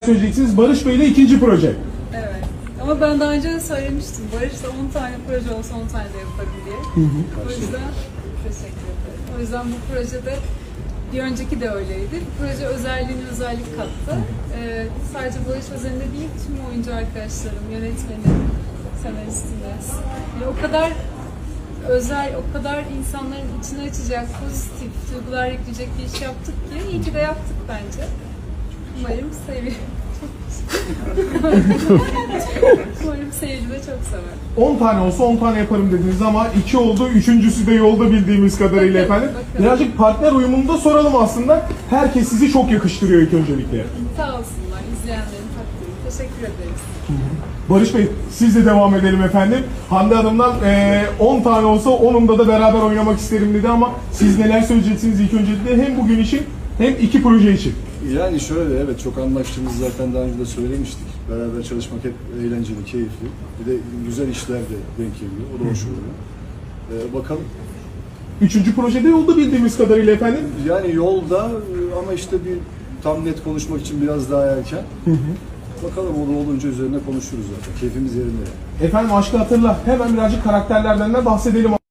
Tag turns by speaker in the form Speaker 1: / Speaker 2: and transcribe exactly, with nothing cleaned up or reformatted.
Speaker 1: söyleyeceksiniz. Barış Bey ile ikinci proje.
Speaker 2: Evet. Ama ben daha önce de söylemiştim. Barış'ta on tane proje olsa on tane de yaparım diye.
Speaker 1: Hı hı.
Speaker 2: O yüzden teşekkür ederim. O yüzden bu projede bir önceki de öyleydi. Bu proje özelliğine özellik kattı. Ee, sadece Barış özelinde değil, tüm oyuncu arkadaşlarım, yönetmeni, senaristine. Yani o kadar özel, o kadar insanların içine açacak, pozitif duygular yükleyecek bir iş yaptık ki iyi ki de yaptık bence. Umarım seviyorum. Umarım seyirci de çok sever.
Speaker 1: on tane olsa on tane yaparım dediniz ama iki oldu. Üçüncüsü de yolda bildiğimiz kadarıyla
Speaker 2: Bakın,
Speaker 1: efendim.
Speaker 2: bakın.
Speaker 1: Birazcık partner uyumunu da soralım aslında. Herkes sizi çok yakıştırıyor ilk öncelikle.
Speaker 2: Sağ olsunlar izleyenlerin takdiri. Teşekkür ederiz.
Speaker 1: Barış Bey, siz de devam edelim efendim. Hande Hanım'dan eee, on tane olsa onunda da beraber oynamak isterim dedi ama siz neler söyleyeceksiniz ilk öncelikle hem bugün için hem iki proje için?
Speaker 3: Yani şöyle, evet, çok anlaştığımızı zaten daha önce de söylemiştik. Beraber çalışmak hep eğlenceli, keyifli. Bir de güzel işler de denk geliyor. O da hoş oluyor. Ee, bakalım.
Speaker 1: Üçüncü projede yolda bildiğimiz kadarıyla efendim.
Speaker 3: Yani yolda ama işte bir tam net konuşmak için biraz daha erken.
Speaker 1: Hı hı.
Speaker 3: Bakalım, o da olunca üzerine konuşuruz zaten. Keyfimiz yerinde.
Speaker 1: Efendim Aşkı Hatırla. Hemen birazcık karakterlerden de bahsedelim.